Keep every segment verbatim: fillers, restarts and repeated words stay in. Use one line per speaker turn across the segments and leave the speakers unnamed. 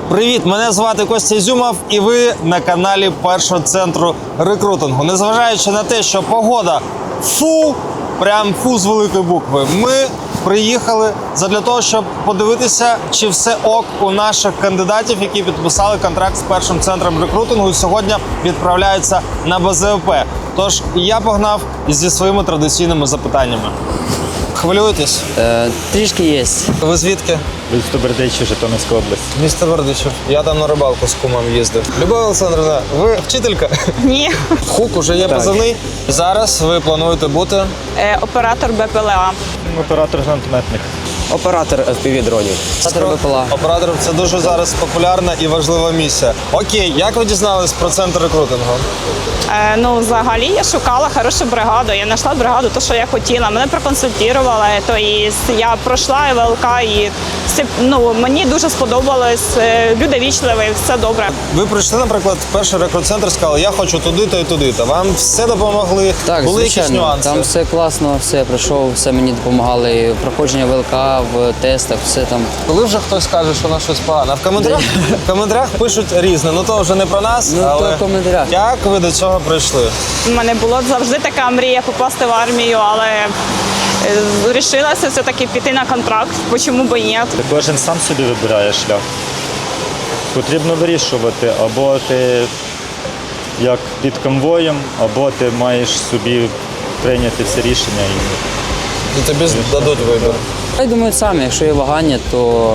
Привіт, мене звати Костя Ізюмов і ви на каналі першого центру рекрутингу. Незважаючи на те, що погода фу, прям фу з великої букви, ми приїхали задля того, щоб подивитися, чи все ок у наших кандидатів, які підписали контракт з першим центром рекрутингу і сьогодні відправляються на Б З В П. Тож я погнав зі своїми традиційними запитаннями. Хвилюєтесь?
Е, трішки є.
Ви звідки?
Місто Бердичів, Житомирська область.
Місто Бердичів. Я там на рибалку з кумом їздив. Любов Олександрівна, ви вчителька?
Ні.
Хук уже є позивний. Зараз ви плануєте бути?
Е, оператор Б П Л А.
Оператор гранатометник.
Оператор Еф Пі Ві-дронів. Оператор Б П Л А.
Оператор – це дуже зараз популярна і важлива місія. Окей, як ви дізнались про центр рекрутингу?
Е, ну, взагалі я шукала хорошу бригаду. Я знайшла бригаду, то, що я хотіла. Мене проконсультували, то і я пройшла В Л К, і все, ну, мені дуже сподобалось. Люди вічливі, все добре.
Ви прийшли, наприклад, в перший рекрут-центр, сказали, я хочу туди-то і туди-то. Вам все допомогли?
Так,
були якісь
звичайно.
нюанси?
Там все класно, все пройшов, все мені допомагали. І проходження В Л К в тестах, все там.
Коли вже хтось каже, що на щось погано, в коментарях, в коментарях пишуть різне. Ну то вже не про нас,
Ну,
але
то в коментарях.
як ви до цього прийшли?
У мене була завжди така мрія попасти в армію, але вирішилася все-таки піти на контракт. Чому б і ні?
Кожен сам собі вибирає шлях. Потрібно вирішувати, або ти як під конвоєм, або ти маєш собі прийняти це рішення.
І тобі дадуть вибір.
Я думаю, самі, якщо є вагання, то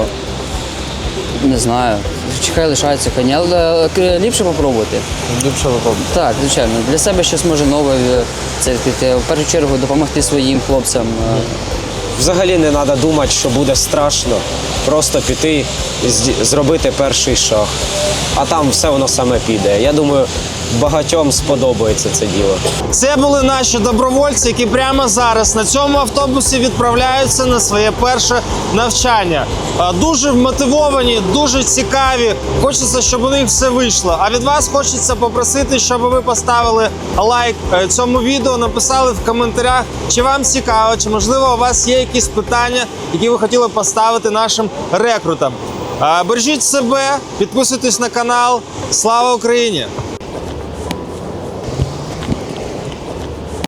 не знаю. Хай лишається коні, але ліпше попробувати.
Ліпше випадку.
Так, звичайно. Для себе щось може нове це відкрити. В першу чергу допомогти своїм хлопцям.
Взагалі не треба думати, що буде страшно. Просто піти і зді- зробити перший шаг. А там все воно саме піде. Я думаю, багатьом сподобається це діло.
Це були наші добровольці, які прямо зараз на цьому автобусі відправляються на своє перше навчання. А, Дуже вмотивовані, дуже цікаві. Хочеться, щоб у них все вийшло. А від вас хочеться попросити, щоб ви поставили лайк е, цьому відео, написали в коментарях, чи вам цікаво, чи можливо у вас є якісь питання, які ви хотіли поставити нашим рекрутам. А, Бережіть себе, підписуйтесь на канал. Слава Україні!